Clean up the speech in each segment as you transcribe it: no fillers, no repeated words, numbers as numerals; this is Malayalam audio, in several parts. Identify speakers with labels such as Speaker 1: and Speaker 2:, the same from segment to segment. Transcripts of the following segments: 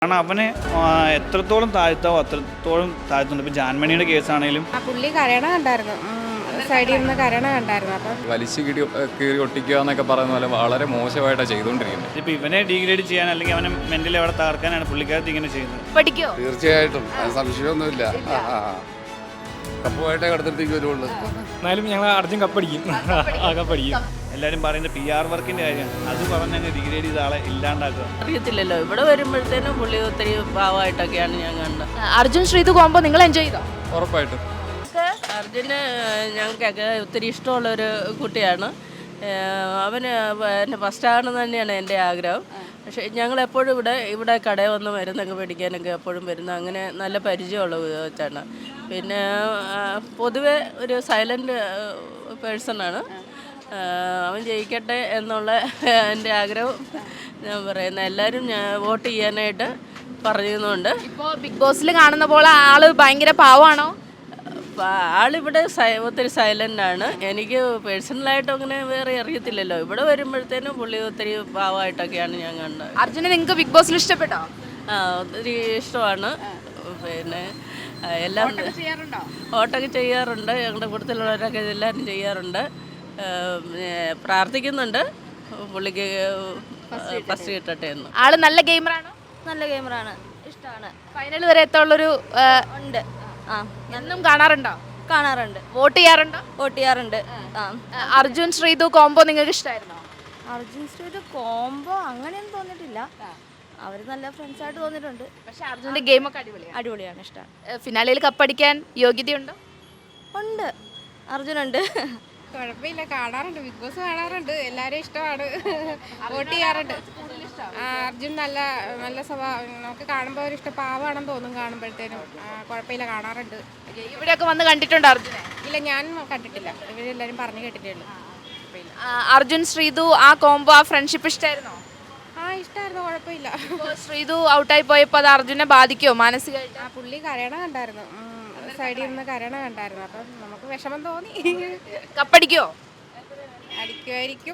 Speaker 1: കാരണം അവനെ എത്രത്തോളം താഴ്ത്താവോ അത്രത്തോളം താഴ്ത്തുന്നുണ്ട്. ഇപ്പം ജാൻമണിയുടെ കേസാണെങ്കിലും
Speaker 2: പുള്ളി കരയണ കണ്ടായിരുന്നു, സൈഡിൽ നിന്ന് കരയണ കണ്ടായിരുന്നു. അപ്പം
Speaker 3: വലിച്ചു കീറി ഒട്ടിക്കുക എന്നൊക്കെ പറയുന്ന പോലെ വളരെ മോശമായിട്ടാണ് ചെയ്തുകൊണ്ടിരിക്കുന്നത്.
Speaker 1: ഇപ്പം ഇവനെ ഡീഗ്രേഡ് ചെയ്യാൻ അല്ലെങ്കിൽ അവനെ മെന്റലി അവിടെ തകർക്കാനാണ് പുള്ളിക്കാരത്ത് ഇങ്ങനെ ചെയ്യുന്നത്.
Speaker 4: പഠിക്കോ?
Speaker 5: തീർച്ചയായിട്ടും സംശയമൊന്നുമില്ല. കപ്പുമായിട്ടേ കടത്തിലേക്ക് വരുള്ളൂ.
Speaker 6: എന്നാലും ഞങ്ങൾ അർജുൻ കപ്പടിക്കും. കപ്പടിക്കും.
Speaker 1: എല്ലാവരും പറയുന്നത് PR വർക്കിൻ്റെ കാര്യമാണ്. അത് പറഞ്ഞങ്ങ് ഡീഗ്രേഡ് ചെയ്ത ആളെ ഇല്ലാണ്ടാക്കുക.
Speaker 7: അറിയത്തില്ലല്ലോ, ഇവിടെ വരുമ്പോഴത്തേനും പുള്ളി ഒത്തിരി പാവമായിട്ടൊക്കെയാണ് ഞാൻ കണ്ടത്.
Speaker 4: അർജുൻ ശ്രീതു കോമ്പോ നിങ്ങൾ എൻജോയ് ചെയ്തോ?
Speaker 3: ഉറപ്പായിട്ടും
Speaker 7: അർജുന് ഞങ്ങൾക്കൊക്കെ ഒത്തിരി ഇഷ്ടമുള്ളൊരു കുട്ടിയാണ്. അവന് എന്നെ ഫസ്റ്റാകണം തന്നെയാണ് എൻ്റെ ആഗ്രഹം. പക്ഷേ ഞങ്ങളെപ്പോഴും ഇവിടെ കടയിൽ വന്ന് മരുന്നൊക്കെ മേടിക്കാനൊക്കെ എപ്പോഴും വരുന്ന അങ്ങനെ നല്ല പരിചയമുള്ള വെച്ചാണ്. പിന്നെ പൊതുവെ ഒരു സൈലൻറ്റ് പേഴ്സണാണ്. അവൻ ജയിക്കട്ടെ എന്നുള്ള എൻ്റെ ആഗ്രഹം ഞാൻ പറയുന്നത്. എല്ലാവരും വോട്ട് ചെയ്യാനായിട്ട് പറയുന്നുണ്ട്.
Speaker 4: ഇപ്പോൾ ബിഗ് ബോസിൽ കാണുന്ന പോലെ ആള് ഭയങ്കര പാവാണോ?
Speaker 7: ആളിവിടെ ഒത്തിരി സൈലൻ്റാണ്. എനിക്ക് പേഴ്സണലായിട്ട് അങ്ങനെ വേറെ അറിയത്തില്ലല്ലോ. ഇവിടെ വരുമ്പോഴത്തേനും പുള്ളി ഒത്തിരി പാവമായിട്ടൊക്കെയാണ് ഞാൻ കണ്ടത്.
Speaker 4: അർജുനെ നിങ്ങൾക്ക് ബിഗ് ബോസിൽ ഇഷ്ടപ്പെട്ടോ?
Speaker 7: ഒത്തിരി ഇഷ്ടമാണ്. പിന്നെ എല്ലാം വോട്ടൊക്കെ ചെയ്യാറുണ്ട്. ഞങ്ങളുടെ കൂട്ടത്തിലുള്ളവരൊക്കെ എല്ലാവരും ചെയ്യാറുണ്ട്. പ്രാർത്ഥിക്കുന്നുണ്ട് പുള്ളിക്ക് ഫസ്റ്റ് കിട്ടട്ടെ എന്ന്.
Speaker 4: ആള് നല്ല ഗെയിമറാണോ?
Speaker 8: നല്ല ഗെയിമറാണ്, ഇഷ്ടമാണ്.
Speaker 4: ഫൈനൽ വരെ എത്തുള്ളൊരു
Speaker 8: ഉണ്ട്. ആ,
Speaker 4: എന്നും കാണാറുണ്ടോ?
Speaker 8: കാണാറുണ്ട്,
Speaker 4: വോട്ട് ചെയ്യാറുണ്ടോ?
Speaker 8: വോട്ട് ചെയ്യാറുണ്ട്. ആ,
Speaker 4: അർജുൻ ശ്രീതു കോമ്പോ നിങ്ങൾക്ക് ഇഷ്ടമായിരുന്നോ?
Speaker 8: അർജുൻ ശ്രീയുടെ കോംബോ അങ്ങനെയൊന്നും തോന്നിയിട്ടില്ല. അവർ നല്ല ഫ്രണ്ട്സായിട്ട് തോന്നിയിട്ടുണ്ട്.
Speaker 4: പക്ഷെ അർജുൻ്റെ ഗെയിമൊക്കെ അടിപൊളിയാണ്.
Speaker 8: അടിപൊളിയാണ്, ഇഷ്ടമാണ്.
Speaker 4: ഫിനാലയിൽ കപ്പടിക്കാൻ യോഗ്യതയുണ്ടോ?
Speaker 8: ഉണ്ട്, അർജുനുണ്ട്.
Speaker 2: കുഴപ്പമില്ല, കാണാറുണ്ട്, ബിഗ് ബോസ് കാണാറുണ്ട്, എല്ലാവരും ഇഷ്ടമാണ്, വോട്ട് ചെയ്യാറുണ്ട്. അർജുൻ നല്ല നല്ല സ്വഭാവം, നമുക്ക് കാണുമ്പോൾ ഒരു ഇഷ്ടം, പാവമാണെന്ന് തോന്നും കാണുമ്പോഴത്തേനും. കുഴപ്പമില്ല, കാണാറുണ്ട്.
Speaker 4: ഇവിടെയൊക്കെ വന്ന് കണ്ടിട്ടുണ്ടോ അർജുനെ?
Speaker 2: ഇല്ല, ഞാൻ കണ്ടിട്ടില്ല, ഇവരെല്ലാവരും പറഞ്ഞു കേട്ടിട്ടേ ഉള്ളൂ.
Speaker 4: അർജുൻ ശ്രീതു ആ കോംബോ, ആ ഫ്രണ്ട്ഷിപ്പ് ഇഷ്ടമായിരുന്നോ?
Speaker 2: ഇഷ്ടമായിരുന്നു, കുഴപ്പമില്ല.
Speaker 4: ശ്രീതു ഔട്ടായി പോയപ്പോൾ അത് അർജുനെ ബാധിക്കുമോ മാനസികമായിട്ട്?
Speaker 2: പുള്ളി കരയണ കണ്ടായിരുന്നു, സൈഡിൽ നിന്ന് കരയണ കണ്ടായിരുന്നു. അപ്പം നമുക്ക് വിഷമം തോന്നി.
Speaker 4: കപ്പടിക്കോ?
Speaker 2: അടിക്കുമായിരിക്കും.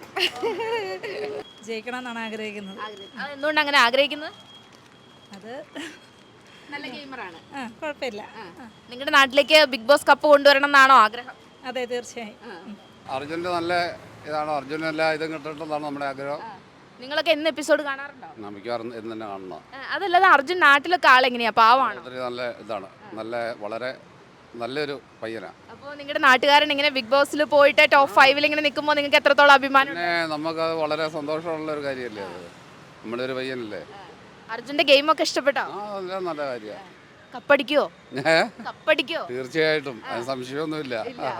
Speaker 9: ജയിക്കണം എന്നാണ് ആഗ്രഹിക്കുന്നത്.
Speaker 4: എന്തുകൊണ്ട് അങ്ങനെ ആഗ്രഹിക്കുന്നത്?
Speaker 9: അത്
Speaker 4: നല്ല ഗെയിമറാണ്.
Speaker 9: കുഴപ്പമില്ല.
Speaker 4: നിങ്ങളുടെ നാട്ടിലേക്ക് ബിഗ് ബോസ് കപ്പ് കൊണ്ടുവരണം എന്നാണോ ആഗ്രഹം?
Speaker 9: അതെ, തീർച്ചയായും.
Speaker 5: അർജുൻ്റെ നല്ല ഇതാണ്. അർജുനല്ല ഇതും കിട്ടേണ്ടതാണ് നമ്മുടെ ആഗ്രഹം.
Speaker 4: നിങ്ങളൊക്കെ എന്ന് എപ്പിസോഡ് കാണാറുണ്ടോ?
Speaker 5: നമുക്ക് എന്ന് തന്നെ കാണണം.
Speaker 4: അതല്ലാതെ അർജുൻ നാട്ടിലൊക്കെ ആളെങ്ങനെയാ, പാവാണോ?
Speaker 5: ഒത്തിരി നല്ല ഇതാണ്, വളരെ നല്ലൊരു പയ്യനാണ്.
Speaker 4: അപ്പോൾ നിങ്ങളുടെ നാട്ടുകാരൻ ഇങ്ങനെ ബിഗ് ബോസിൽ പോയിട്ട് ടോപ്പ് 5 ഇങ്ങനെ നിൽക്കുമ്പോൾ നിങ്ങൾക്ക് എത്രത്തോളം അഭിമാനം?
Speaker 5: പിന്നെ നമുക്കത് വളരെ സന്തോഷമുള്ള ഒരു കാര്യമല്ലേ അത്. നമ്മുടെ ഒരു പയ്യനല്ലേ.
Speaker 4: അർജുന്റെ ഗെയിമൊക്കെ ഇഷ്ടപ്പെട്ടോ?
Speaker 5: അതെല്ലാം നല്ല കാര്യമാണ്.
Speaker 4: കപ്പടിക്കോ? കപ്പടിക്കോ?
Speaker 5: തീർച്ചയായിട്ടും സംശയമൊന്നുമില്ല.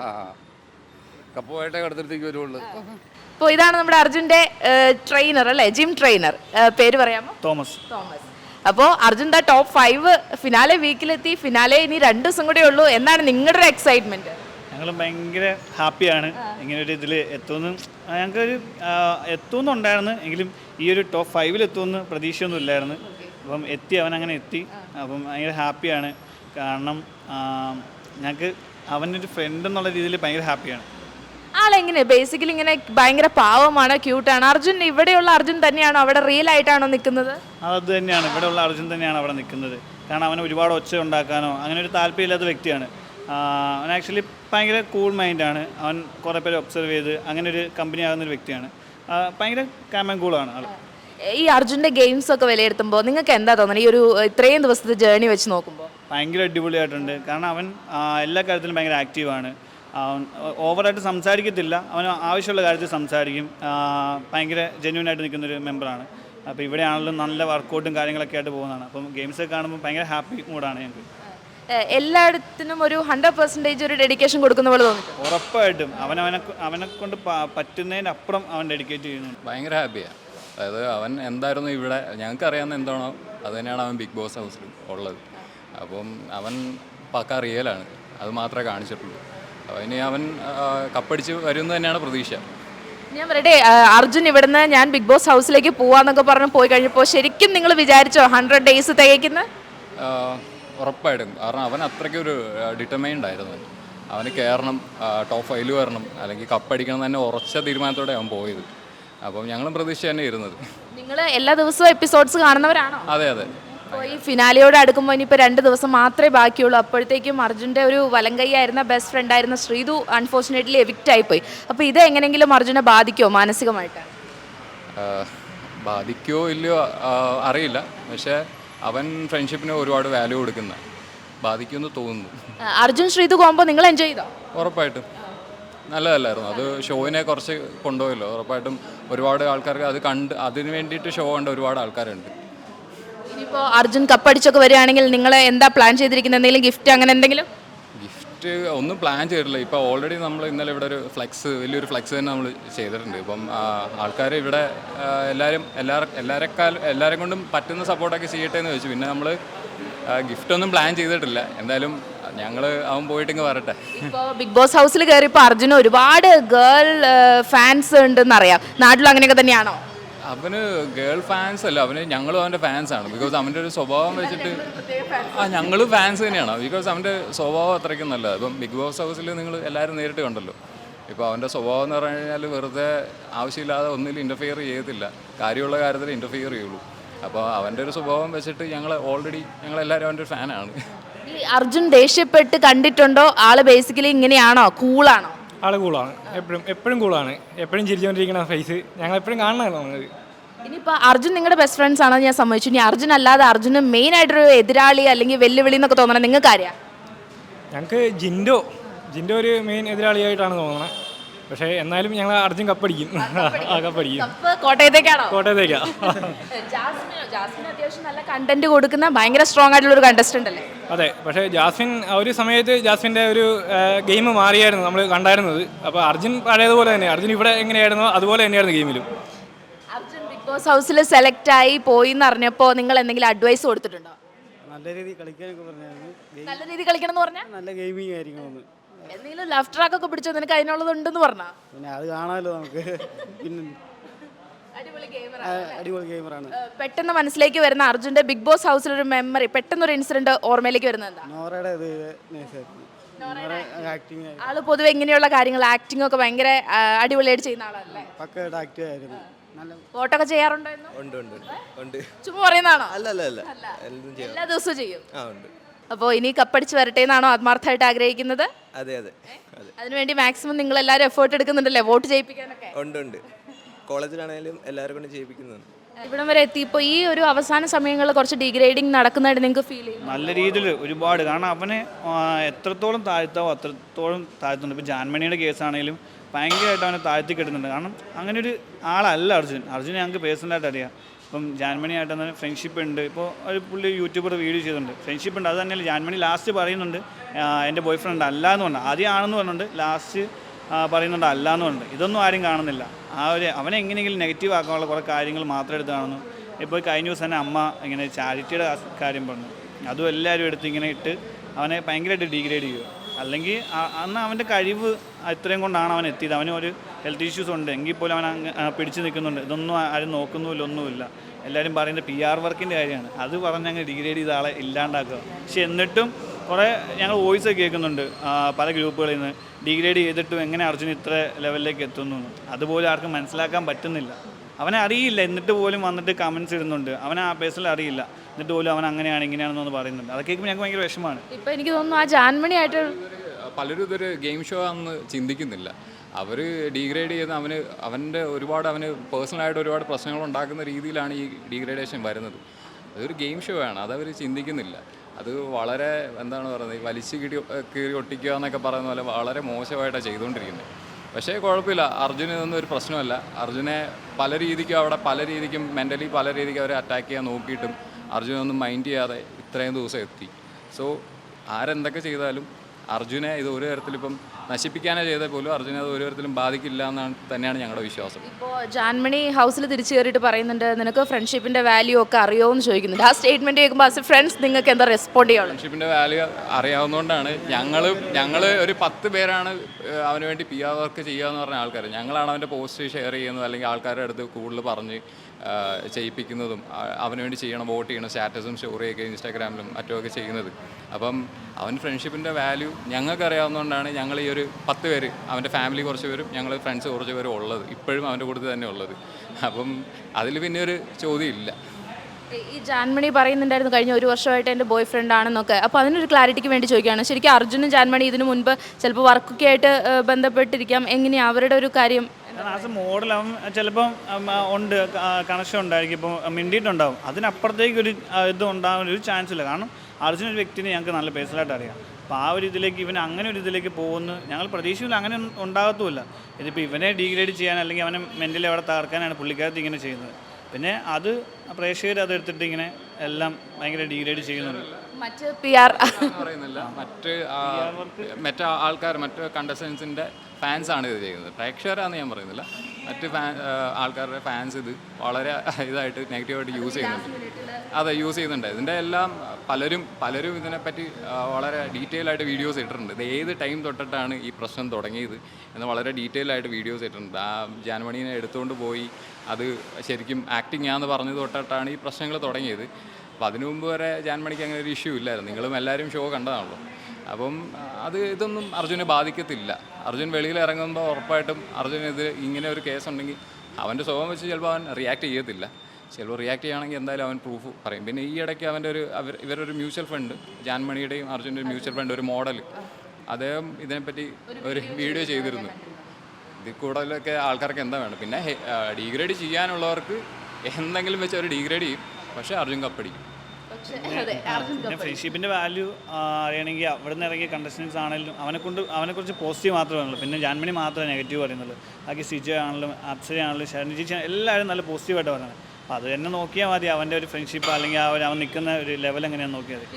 Speaker 5: കപ്പുമായിട്ടേ കടത്തിലേക്ക് വരുള്ളൂ.
Speaker 4: അപ്പോൾ ഇതാണ് നമ്മുടെ അർജുന്റെ ട്രെയിനർ അല്ലേ, ജിം ട്രെയിനർ. പേര് പറയാമോ?
Speaker 1: തോമസ്.
Speaker 4: അപ്പോൾ അർജുൻ ദ ടോപ്പ് 5 ഫിനാലെ വീക്കിലെത്തി. ഫിനാലെ ഇനി 2 ദിവസം കൂടെ ഉള്ളൂ. എന്താണ് നിങ്ങളുടെ ഒരു എക്സൈറ്റ്മെന്റ്?
Speaker 1: ഞങ്ങൾ ഭയങ്കര ഹാപ്പിയാണ് ഇങ്ങനെ ഒരു ഇതിൽ എത്തുമെന്ന്. ഞങ്ങൾക്കൊരു എത്തുമെന്നുണ്ടായിരുന്നു, എങ്കിലും ഈ ഒരു ടോപ്പ് 5 എത്തുമെന്ന് പ്രതീക്ഷയൊന്നും ഇല്ലായിരുന്നു. അപ്പം അവൻ അങ്ങനെ എത്തി. അപ്പം ഭയങ്കര ഹാപ്പിയാണ്. കാരണം ഞങ്ങൾക്ക് അവനൊരു ഫ്രണ്ട് എന്നുള്ള രീതിയിൽ ഭയങ്കര ഹാപ്പിയാണ്.
Speaker 4: ആളെങ്ങനെ ബേസിക്കലി ഇങ്ങനെ ഭയങ്കര പാവമാണ്, ക്യൂട്ടാണ്. അർജുൻ ഇവിടെയുള്ള അർജുൻ തന്നെയാണോ അവിടെ റിയൽ ആയിട്ടാണോ നിൽക്കുന്നത്?
Speaker 1: അത് തന്നെയാണ്, ഇവിടെയുള്ള അർജുൻ തന്നെയാണ് അവിടെ നിൽക്കുന്നത്. കാരണം അവന് ഒരുപാട് ഒച്ച ഉണ്ടാക്കാനോ അങ്ങനെ ഒരു താല്പര്യമില്ലാത്ത വ്യക്തിയാണ്. അവൻ ആക്ച്വലി ഭയങ്കര കൂൾ മൈൻഡാണ്. അവൻ കുറേ പേര് ഒബ്സർവ് ചെയ്ത് അങ്ങനെ ഒരു കമ്പനി ആകുന്നൊരു വ്യക്തിയാണ്. ഭയങ്കര കാം ആൻഡ് കൂളാണ് ആൾ.
Speaker 4: ഈ അർജുൻ്റെ ഗെയിംസ് ഒക്കെ വിലയിരുത്തുമ്പോൾ നിങ്ങൾക്ക് എന്താ തോന്നുന്നത്, ഈ ഒരു ഇത്രയും ദിവസത്തെ ജേർണി വെച്ച് നോക്കുമ്പോൾ?
Speaker 1: ഭയങ്കര അടിപൊളിയായിട്ടുണ്ട്. കാരണം അവൻ എല്ലാ കാര്യത്തിലും ഭയങ്കര ആക്റ്റീവാണ്. അവൻ ഓവറായിട്ട് സംസാരിക്കത്തില്ല, അവന് ആവശ്യമുള്ള കാര്യത്തിൽ സംസാരിക്കും. ഭയങ്കര ജെന്യൂനായിട്ട് നിൽക്കുന്നൊരു മെമ്പറാണ്. അപ്പോൾ ഇവിടെയാണെങ്കിലും നല്ല വർക്കൗട്ടും കാര്യങ്ങളൊക്കെ ആയിട്ട് പോകുന്നതാണ്. അപ്പം ഗെയിംസൊക്കെ കാണുമ്പോൾ ഭയങ്കര ഹാപ്പി മൂഡാണ് ഞങ്ങൾക്ക്.
Speaker 4: എല്ലായിടത്തിനും ഒരു 100% ഒരു ഡെഡിക്കേഷൻ കൊടുക്കുന്ന പോലെ തോന്നി?
Speaker 1: ഉറപ്പായിട്ടും അവനെ കൊണ്ട് പറ്റുന്നതിൻ്റെ അപ്പുറം അവൻ ഡെഡിക്കേറ്റ് ചെയ്യുന്നുണ്ട്.
Speaker 3: ഭയങ്കര ഹാപ്പിയാണ്. അതായത് അവൻ എന്തായിരുന്നു ഇവിടെ ഞങ്ങൾക്ക് അറിയാവുന്ന എന്താണോ അത് തന്നെയാണ് അവൻ ബിഗ് ബോസ് ഹൗസിൽ ഉള്ളത്. അപ്പം അവൻ പക്ക റിയലാണ്, അത് മാത്രമേ കാണിച്ചിട്ടുള്ളൂ. ഇനി അവൻ കപ്പടിച്ച് വരുമെന്ന് തന്നെയാണ് പ്രതീക്ഷ.
Speaker 4: ഞാൻ പറയട്ടെ, അർജുൻ ഇവിടുന്ന് ഞാൻ ബിഗ് ബോസ് ഹൗസിലേക്ക് പോവാന്നൊക്കെ പറഞ്ഞ് പോയി കഴിഞ്ഞപ്പോൾ ശരിക്കും നിങ്ങൾ വിചാരിച്ചോ 100 days തികയ്ക്കുന്ന?
Speaker 3: ഉറപ്പായിട്ടും. കാരണം അവൻ അത്രയ്ക്കൊരു ഡിറ്റർമൈൻഡ് ആയിരുന്നു. അവന് കയറണം, ടോപ്പ് 5 വരണം, അല്ലെങ്കിൽ കപ്പടിക്കണം തന്നെ ഉറച്ച തീരുമാനത്തോടെ അവൻ പോയത്. അപ്പം ഞങ്ങളും പ്രതീക്ഷ തന്നെ ഇരുന്നത്.
Speaker 4: നിങ്ങൾ എല്ലാ ദിവസവും എപ്പിസോഡ്സ് കാണുന്നവരാണോ?
Speaker 3: അതെ അതെ.
Speaker 4: അപ്പോൾ ഈ ഫിനാലിയോട് അടുക്കുമ്പോൾ ഇനിയിപ്പോൾ 2 ദിവസം മാത്രമേ ബാക്കിയുള്ളൂ. അപ്പോഴത്തേക്കും അർജുൻ്റെ ഒരു വലങ്കൈയായിരുന്ന ബെസ്റ്റ് ഫ്രണ്ടായിരുന്ന ശ്രീതു അൺഫോർച്ചുനേറ്റ്ലി എവിക്റ്റ് ആയിപ്പോയി. അപ്പോൾ ഇത് എങ്ങനെയെങ്കിലും അർജുനെ ബാധിക്കുമോ മാനസികമായിട്ട്?
Speaker 3: ബാധിക്കുമോ ഇല്ലയോ അറിയില്ല. പക്ഷേ അവൻ ഫ്രണ്ട്ഷിപ്പിന് ഒരുപാട് വാല്യൂ കൊടുക്കുന്ന ബാധിക്കുമെന്ന് തോന്നുന്നു.
Speaker 4: അർജുൻ ശ്രീതു കോമ്പോ നിങ്ങൾ എൻജോയ് ചെയ്തോ?
Speaker 3: ഉറപ്പായിട്ടും നല്ലതല്ലായിരുന്നു. അത് ഷോയിനെ കുറച്ച് കൊണ്ടുപോയല്ലോ. ഉറപ്പായിട്ടും ഒരുപാട് ആൾക്കാർക്ക് അത് കണ്ട് അതിന് വേണ്ടിയിട്ട് ഷോ കണ്ട ഒരുപാട് ആൾക്കാരുണ്ട്.
Speaker 4: ഇനിയിപ്പോൾ അർജുൻ കപ്പടിച്ചൊക്കെ വരികയാണെങ്കിൽ നിങ്ങൾ എന്താ പ്ലാൻ ചെയ്തിരിക്കുന്നത്? എന്തെങ്കിലും ഗിഫ്റ്റ് അങ്ങനെ എന്തെങ്കിലും?
Speaker 3: ഗിഫ്റ്റ് ഒന്നും പ്ലാൻ ചെയ്തിട്ടില്ല. ഇപ്പോൾ ഓൾറെഡി നമ്മൾ ഇന്നലെ ഇവിടെ ഒരു വലിയൊരു ഫ്ലെക്സ് തന്നെ നമ്മൾ ചെയ്തിട്ടുണ്ട്. ഇപ്പം ആൾക്കാർ ഇവിടെ എല്ലാവരെ കൊണ്ടും പറ്റുന്ന സപ്പോർട്ടൊക്കെ ചെയ്യട്ടെ എന്ന് ചോദിച്ചു. പിന്നെ നമ്മൾ ഗിഫ്റ്റൊന്നും പ്ലാൻ ചെയ്തിട്ടില്ല. എന്തായാലും അവൻ പോയിട്ടിങ്ങ് വരട്ടെ.
Speaker 4: ഇപ്പോൾ ബിഗ് ബോസ് ഹൗസിൽ കയറിയപ്പോൾ അർജുന് ഒരുപാട് ഗേൾ ഫാൻസ് ഉണ്ടെന്ന് അറിയാം. നാട്ടിലും അങ്ങനെയൊക്കെ തന്നെയാണോ?
Speaker 3: അവന് ഗേൾ ഫാൻസ് അല്ല, ഞങ്ങളും അവൻ്റെ ഫാൻസാണ്. ബിക്കോസ് അവൻ്റെ ഒരു സ്വഭാവം വെച്ചിട്ട് ഞങ്ങളും ഫാൻസ് തന്നെയാണ്. ബിക്കോസ് അവൻ്റെ സ്വഭാവം അത്രയ്ക്കും നല്ലത്. ഇപ്പം ബിഗ് ബോസ് ഹൗസിൽ നിങ്ങൾ എല്ലാവരും നേരിട്ട് കണ്ടല്ലോ. ഇപ്പോൾ അവൻ്റെ സ്വഭാവം എന്ന് പറഞ്ഞു കഴിഞ്ഞാൽ വെറുതെ ആവശ്യമില്ലാതെ ഒന്നിലും ഇൻ്റർഫിയർ ചെയ്യത്തില്ല. കാര്യമുള്ള കാര്യത്തിൽ ഇൻ്റർഫിയർ ചെയ്യുള്ളൂ. അപ്പോൾ അവൻ്റെ ഒരു സ്വഭാവം വെച്ചിട്ട് ഞങ്ങളെല്ലാവരും അവൻ്റെ ഒരു ഫാനാണ്.
Speaker 4: ഈ അർജുൻ ദേഷ്യപ്പെട്ട് കണ്ടിട്ടുണ്ടോ? ആള് ബേസിക്കലി ഇങ്ങനെയാണോ? കൂളാണോ?
Speaker 6: ആള് കൂളാണ്, എപ്പോഴും കൂളാണ്, എപ്പോഴും ചിരിച്ചുകൊണ്ടിരിക്കുന്ന ഫേസ് ഞങ്ങൾ എപ്പോഴും കാണണമല്ലോ നമുക്ക്.
Speaker 4: ഇനിയിപ്പോൾ അർജുൻ നിങ്ങളുടെ ബെസ്റ്റ് ഫ്രണ്ട്സ് ആണെന്ന് ഞാൻ സമ്മതിച്ചു. ഇനി അർജുൻ അല്ലാതെ അർജുന് മെയിൻ ആയിട്ടൊരു എതിരാളി അല്ലെങ്കിൽ വെല്ലുവിളി എന്നൊക്കെ തോന്നണം നിങ്ങൾക്ക് ആരെയാ?
Speaker 6: ഞങ്ങൾക്ക് ജിൻഡോ ഒരു മെയിൻ എതിരാളിയായിട്ടാണ് തോന്നുന്നത്. പക്ഷേ എന്നാലും ഞങ്ങൾ അർജുൻ കപ്പടിക്കും. കപ്പടിക്കും.
Speaker 4: കോട്ടയത്തേക്കാണോ?
Speaker 6: കോട്ടയത്തേക്കാ.
Speaker 4: ജാസ്മിൻ അത്യാവശ്യം നല്ല കണ്ടന്റ് കൊടുക്കുന്ന ഭയങ്കര സ്ട്രോങ് ആയിട്ടുള്ള ഒരു കണ്ടസ്റ്റന്റ് അല്ലേ?
Speaker 6: അതെ, പക്ഷേ ഒരു സമയത്ത് ജാസ്മിൻ്റെ ഒരു ഗെയിം മാറിയായിരുന്നു നമ്മൾ കണ്ടായിരുന്നത്. അപ്പോൾ അർജുൻ പഴയതുപോലെ തന്നെ, അർജുൻ ഇവിടെ എങ്ങനെയായിരുന്നോ അതുപോലെ തന്നെയായിരുന്നു ഗെയിമിലും.
Speaker 4: അർജുൻ ബിഗ് ബോസ് ഹൗസിൽ സെലക്ട് ആയി പോയി എന്ന് അറിഞ്ഞപ്പോൾ നിങ്ങൾ എന്തെങ്കിലും അഡ്വൈസ് കൊടുത്തിട്ടുണ്ടോ?
Speaker 1: നല്ല രീതിയിൽ കളിക്കാനൊക്കെ പറഞ്ഞായിരുന്നു.
Speaker 4: നല്ല രീതിയിൽ കളിക്കണം എന്ന് പറഞ്ഞാൽ
Speaker 1: നല്ല ഗെയിമിംഗ് ആയിരിക്കും.
Speaker 4: എന്തെങ്കിലും ലവ് ട്രാക്ക് ഒക്കെ പിടിച്ചോ? നിനക്ക് അതിനുള്ളതുണ്ടെന്ന് പറഞ്ഞാ?
Speaker 1: പിന്നെ അത് കാണാമല്ലോ നമുക്ക്. പിന്നെ അടിപൊളി ഗെയിമറാണ്.
Speaker 4: പെട്ടെന്ന് മനസ്സിലേക്ക് വരുന്ന അർജുന്റെ ബിഗ് ബോസ് ഹൗസിൽ ഒരു മെമ്മറി, പെട്ടെന്നൊരു ഇൻസിഡന്റ് ഓർമ്മയിലേക്ക് വരുന്നത് എന്താ?
Speaker 1: നോറയുടെ ആക്ടിങ്.
Speaker 4: ആള് പൊതുവെ ഇങ്ങനെയുള്ള കാര്യങ്ങൾ ആക്ടിംഗ് ഒക്കെ ഭയങ്കര അടിപൊളിയായിട്ട് ചെയ്യുന്ന ആളല്ലേ?
Speaker 1: പക്കയായിട്ട് ആക്റ്റീവ് ആയിരുന്നു.
Speaker 4: ഫോട്ടോ ഒക്കെ ചെയ്യാറുണ്ടോ?
Speaker 5: ഉണ്ട്.
Speaker 4: ചുമ്മാ പറയുന്നതാണോ?
Speaker 5: അല്ല
Speaker 4: എല്ലാ ദിവസവും ചെയ്യും.
Speaker 5: ഉണ്ട്.
Speaker 4: അപ്പോൾ ഇനി കപ്പടിച്ച് വരട്ടെ എന്നാണോ ആത്മാർത്ഥമായിട്ട് ആഗ്രഹിക്കുന്നത്?
Speaker 5: അതെ.
Speaker 4: അതിനുവേണ്ടി മാക്സിമം നിങ്ങൾ എല്ലാവരും എഫേർട്ട് എടുക്കുന്നുണ്ടല്ലേ വോട്ട് ചെയ്യിപ്പിക്കാനൊക്കെ?
Speaker 5: ഉണ്ട്. കോളേജിലാണെങ്കിലും എല്ലാവരും കൊണ്ട് ചെയ്യിപ്പിക്കുന്നുണ്ട്.
Speaker 4: ഇവിടം വരെ എത്തിയപ്പോൾ ഈ ഒരു അവസാന സമയങ്ങളിൽ കുറച്ച് ഡിഗ്രേഡിങ് നടക്കുന്നതായിട്ട് നിങ്ങൾക്ക് ഫീൽ ചെയ്യും?
Speaker 1: നല്ല രീതിയിൽ ഒരുപാട്. കാരണം അവനെ എത്രത്തോളം താഴ്ത്താവോ അത്രത്തോളം താഴ്ത്തുന്നുണ്ട്. ഇപ്പോൾ ജാൻമണിയുടെ കേസാണെങ്കിലും ഭയങ്കരമായിട്ട് അവനെ താഴ്ത്തി കിട്ടുന്നുണ്ട്. കാരണം അങ്ങനെ ഒരു ആളല്ല അർജുനെ ഞങ്ങൾക്ക് പേഴ്സണലായിട്ട് അറിയാം. ഇപ്പം ജാൻമണിയായിട്ട് തന്നെ ഫ്രണ്ട്ഷിപ്പ് ഉണ്ട്. ഇപ്പോൾ ഒരു പുള്ളി യൂട്യൂബർ വീഡിയോ ചെയ്തിട്ടുണ്ട്, ഫ്രണ്ട്ഷിപ്പ് ഉണ്ട്. അത് തന്നെയല്ല ജാൻമണി ലാസ്റ്റ് പറയുന്നുണ്ട് എൻ്റെ ബോയ് ഫ്രണ്ട് അല്ല എന്ന് പറഞ്ഞു. ആദ്യം ആണെന്ന് പറഞ്ഞിട്ടുണ്ട്, ലാസ്റ്റ് പറയുന്നുണ്ട് അല്ല എന്ന് പറഞ്ഞിട്ട്. ഇതൊന്നും ആരും കാണുന്നില്ല. അവനെ എങ്ങനെയെങ്കിലും നെഗറ്റീവ് ആക്കാനുള്ള കുറേ കാര്യങ്ങൾ മാത്രം എടുത്ത് കാണുന്നു. ഇപ്പോൾ കഴിഞ്ഞ ദിവസം തന്നെ അമ്മ ഇങ്ങനെ ചാരിറ്റിയുടെ കാര്യം പറഞ്ഞു, അതും എല്ലാവരും എടുത്ത് ഇങ്ങനെ ഇട്ട് അവനെ ഭയങ്കരമായിട്ട് ഡീഗ്രേഡ് ചെയ്യുക. അല്ലെങ്കിൽ അന്ന് അവൻ്റെ കഴിവ് ഇത്രയും കൊണ്ടാണ് അവൻ എത്തിയത്. അവന് ഒരു ഹെൽത്ത് ഇഷ്യൂസ് ഉണ്ട് എങ്കിൽ പോലും അവൻ പിടിച്ചു നിൽക്കുന്നുണ്ട്. ഇതൊന്നും ആരും നോക്കുന്നുമില്ല, ഒന്നുമില്ല. എല്ലാവരും പറയുന്നത് PR വർക്കിൻ്റെ കാര്യമാണ്. അത് പറഞ്ഞ് അങ്ങ് ഡിഗ്രേഡ് ചെയ്ത ആളെ ഇല്ലാണ്ടാക്കുക. പക്ഷെ എന്നിട്ടും കുറേ ഞങ്ങൾ വോയിസ് കേൾക്കുന്നുണ്ട് പല ഗ്രൂപ്പുകളിൽ നിന്ന്, ഡിഗ്രേഡ് ചെയ്തിട്ടും എങ്ങനെ അർജുൻ ഇത്ര ലെവലിലേക്ക് എത്തുന്നു. അതുപോലെ ആർക്കും മനസ്സിലാക്കാൻ പറ്റുന്നില്ല. അവനെ അറിയില്ല, എന്നിട്ട് പോലും വന്നിട്ട് കമൻസ് ഇടുന്നുണ്ട്. അവനെ ആ പേഴ്സണൽ അറിയില്ല, എന്നിട്ട് പോലും അവൻ അങ്ങനെയാണ് ഇങ്ങനെയാണെന്നൊന്ന് പറയുന്നുണ്ട്. അതൊക്കെ കേൾക്കുമ്പോൾ ഞങ്ങൾക്ക് ഭയങ്കര വിഷമമാണ്.
Speaker 4: ഇപ്പം എനിക്ക് തോന്നുന്നു ആ ജാൻമണിയായിട്ട്
Speaker 3: പലരും ഇതൊരു ഗെയിം ഷോ ആണെന്ന് ചിന്തിക്കുന്നില്ല. അവർ ഡീഗ്രേഡ് ചെയ്യുന്ന അവൻ്റെ അവന് പേഴ്സണലായിട്ട് ഒരുപാട് പ്രശ്നങ്ങൾ ഉണ്ടാക്കുന്ന രീതിയിലാണ് ഈ ഡീഗ്രേഡേഷൻ വരുന്നത്. അതൊരു ഗെയിം ഷോ ആണ്, അതവർ ചിന്തിക്കുന്നില്ല. അത് വളരെ എന്താണ് പറയുന്നത്, വലിച്ചു കീറി ഒട്ടിക്കുക എന്നൊക്കെ പറയുന്ന പോലെ വളരെ മോശമായിട്ടാണ് ചെയ്തുകൊണ്ടിരിക്കുന്നത്. പക്ഷേ കുഴപ്പമില്ല, അർജുന് ഇതൊന്നും ഒരു പ്രശ്നമല്ല. അർജുനെ പല രീതിക്കും മെൻ്റലി പല രീതിക്കും അവരെ അറ്റാക്ക് ചെയ്യാൻ നോക്കിയിട്ടും അർജുനൊന്നും മൈൻഡ് ചെയ്യാതെ ഇത്രയും ദിവസം എത്തി. സോ ആരെന്തൊക്കെ ചെയ്താലും അർജുനെ ഇത് ഒരു തരത്തിലിപ്പം നശിപ്പിക്കാനേ ചെയ്താൽ പോലും അർജുനെ അത് ഒരു തരത്തിലും ബാധിക്കില്ല എന്നാണ് തന്നെയാണ് ഞങ്ങളുടെ വിശ്വാസം.
Speaker 4: ഇപ്പോൾ ജാൻമണി ഹൗസിൽ തിരിച്ചു കയറിയിട്ട് പറയുന്നുണ്ട് നിനക്ക് ഫ്രണ്ട്ഷിപ്പിൻ്റെ വാല്യൂ ഒക്കെ അറിയുമോ എന്ന് ചോദിക്കുന്നുണ്ട്. ആ സ്റ്റേറ്റ്മെൻറ്റ് കേൾക്കുമ്പോൾ ആസ് എ ഫ്രണ്ട്സ് നിങ്ങൾക്ക് എന്താ റെസ്പോണ്ട് ചെയ്യുള്ളൂ?
Speaker 3: ഫ്രണ്ട്ഷിപ്പിൻ്റെ വാല്യൂ അറിയാവുന്നതുകൊണ്ടാണ് ഞങ്ങൾ ഒരു 10 പേരാണ് അവന് വേണ്ടി PR വർക്ക് ചെയ്യുക എന്ന് പറഞ്ഞ ആൾക്കാർ. ഞങ്ങളാണ് അവൻ്റെ പോസ്റ്റ് ഷെയർ ചെയ്യുന്നത്, അല്ലെങ്കിൽ ആൾക്കാരുടെ അടുത്ത് കൂടുതൽ പറഞ്ഞ് ചെയ്യിപ്പിക്കുന്നതും അവന് വേണ്ടി വോട്ട് ചെയ്യണം, സ്റ്റാറ്റസും സ്റ്റോറിയൊക്കെ ഇൻസ്റ്റാഗ്രാമിലും മറ്റുമൊക്കെ ചെയ്യുന്നത്. അപ്പം അവൻ ഫ്രണ്ട്ഷിപ്പിൻ്റെ വാല്യൂ ഞങ്ങൾക്ക് അറിയാവുന്നതുകൊണ്ടാണ് ഞങ്ങൾ ഈ ഒരു 10 പേര്, അവൻ്റെ ഫാമിലി കുറച്ച് പേരും ഞങ്ങൾ ഫ്രണ്ട്സ് കുറച്ച് പേരും ഉള്ളത്, ഇപ്പോഴും അവൻ്റെ കൂട്ടത്തിൽ തന്നെ ഉള്ളത്. അപ്പം അതിൽ പിന്നെ ഒരു ചോദ്യം ഇല്ല.
Speaker 4: ഈ ജാൻമണി പറയുന്നുണ്ടായിരുന്നു കഴിഞ്ഞ ഒരു വർഷമായിട്ട് എൻ്റെ ബോയ് ഫ്രണ്ട് ആണെന്നൊക്കെ. അപ്പോൾ അതിനൊരു ക്ലാരിറ്റിക്ക് വേണ്ടി ചോദിക്കുകയാണ്. ശരിക്കും അർജുനും ജാൻമണി ഇതിനു മുൻപ് ചിലപ്പോൾ വർക്കൊക്കെ ആയിട്ട് ബന്ധപ്പെട്ടിരിക്കാം. എങ്ങനെയാണ് അവരുടെ ഒരു കാര്യം?
Speaker 1: ആസ് എ മോഡൽ അവൻ ചിലപ്പം ഉണ്ട്, കണക്ഷൻ ഉണ്ടായിരിക്കും, ഇപ്പോൾ മിണ്ടിയിട്ടുണ്ടാവും. അതിനപ്പുറത്തേക്ക് ഒരു ഇത് ഉണ്ടാകാൻ ഒരു ചാൻസ് ഇല്ല. കാരണം അർജുൻ ഒരു വ്യക്തിനെ ഞങ്ങൾക്ക് നല്ല പേഴ്സണലായിട്ട് അറിയാം. അപ്പോൾ ആ ഒരു ഇതിലേക്ക് ഇവൻ അങ്ങനെ ഒരു ഇതിലേക്ക് പോകുന്നു ഞങ്ങൾ പ്രതീക്ഷയില്ല, അങ്ങനെ ഉണ്ടാകത്തുമില്ല. ഇതിപ്പോൾ ഇവനെ ഡീഗ്രേഡ് ചെയ്യാൻ അല്ലെങ്കിൽ അവനെ മെൻ്റലി അവിടെ തകർക്കാനാണ് പുള്ളിക്കാരത്തി ഇങ്ങനെ ചെയ്യുന്നത്. പിന്നെ അത് പ്രേക്ഷകർ അത് എടുത്തിട്ട് ഇങ്ങനെ എല്ലാം ഭയങ്കര ഡീഗ്രേഡ് ചെയ്യുന്നുണ്ട്.
Speaker 4: മറ്റ് PR
Speaker 3: പറയുന്നില്ല, മറ്റ് ആൾക്കാർ, മറ്റ് കണ്ടസ്റ്റൻസിൻ്റെ ഫാൻസാണ് ഇത് ചെയ്യുന്നത്, പ്രേക്ഷകരാണെന്ന് ഞാൻ പറയുന്നില്ല. മറ്റ് ആൾക്കാരുടെ ഫാൻസ് ഇത് വളരെ ഇതായിട്ട് നെഗറ്റീവായിട്ട് യൂസ് ചെയ്യുന്നുണ്ട്. അതെ, യൂസ് ചെയ്യുന്നുണ്ട്. ഇതിൻ്റെ എല്ലാം പലരും ഇതിനെപ്പറ്റി വളരെ ഡീറ്റെയിൽ ആയിട്ട് വീഡിയോസ് ഇട്ടിട്ടുണ്ട്. ഇത് ഏത് ടൈം തൊട്ടിട്ടാണ് ഈ പ്രശ്നം തുടങ്ങിയത് എന്ന് വളരെ ഡീറ്റെയിൽ ആയിട്ട് വീഡിയോസ് ഇട്ടിട്ടുണ്ട്. ആ ജാൻമണീനെ എടുത്തുകൊണ്ട് പോയി അത് ശരിക്കും ആക്ടിങ് ആണെന്ന് പറഞ്ഞത് തൊട്ടിട്ടാണ് ഈ പ്രശ്നങ്ങൾ തുടങ്ങിയത്. അപ്പോൾ അതിനു മുമ്പ് വരെ ജാൻമണിക്ക് അങ്ങനെ ഒരു ഇഷ്യൂ ഇല്ലായിരുന്നു. നിങ്ങളും എല്ലാവരും ഷോ കണ്ടതാണല്ലോ. അപ്പം ഇതൊന്നും അർജുനെ ബാധിക്കത്തില്ല. അർജുൻ വെളിയിൽ ഇറങ്ങുമ്പോൾ ഉറപ്പായിട്ടും അർജുന് ഇത് ഇങ്ങനെ ഒരു കേസുണ്ടെങ്കിൽ അവൻ്റെ സ്വഭാവം വെച്ച് ചിലപ്പോൾ അവൻ റിയാക്ട് ചെയ്യത്തില്ല. ചിലപ്പോൾ റിയാക്ട് ചെയ്യുകയാണെങ്കിൽ എന്തായാലും അവൻ പ്രൂഫ് പറയും. പിന്നെ ഈ ഇടയ്ക്ക് അവൻ്റെ ഇവരൊരു മ്യൂച്വൽ ഫണ്ട്, ജാൻമണിയുടെയും അർജുൻ്റെ ഒരു മ്യൂച്വൽ ഫണ്ട്, ഒരു മോഡൽ, അദ്ദേഹം ഇതിനെപ്പറ്റി ഒരു വീഡിയോ ചെയ്തിരുന്നു. ഇതിൽ കൂടുതലൊക്കെ ആൾക്കാർക്ക് എന്താ വേണം. പിന്നെ ഡീഗ്രേഡ് ചെയ്യാനുള്ളവർക്ക് എന്തെങ്കിലും വെച്ച് അവർ ഡീഗ്രേഡ് ചെയ്യും. പക്ഷേ അർജുൻ കപ്പടിക്കും.
Speaker 1: പിന്നെ ഫ്രണ്ട്ഷിപ്പിൻ്റെ വാല്യൂ അറിയണമെങ്കിൽ അവിടെ നിന്ന് ഇറങ്ങിയ കണ്ടസ്റ്റൻസ് ആണെങ്കിലും അവനെക്കുറിച്ച് പോസിറ്റീവ് മാത്രമേ ഉള്ളൂ. പിന്നെ ജാൻമണി മാത്രമേ നെഗറ്റീവ് പറയുന്നുള്ളൂ. ബാക്കി സിജ ആണെങ്കിലും അപ്സര ആണെങ്കിലും ശരണി ചേച്ചി എല്ലാവരും നല്ല പോസിറ്റീവായിട്ട് പറയുന്നത്. അപ്പോൾ അത് തന്നെ നോക്കിയാൽ മതി അവൻ്റെ ഒരു ഫ്രണ്ട്ഷിപ്പ് അല്ലെങ്കിൽ അവൻ നിൽക്കുന്ന ഒരു ലെവൽ എങ്ങനെയാണെന്ന് നോക്കിയാൽ മതി.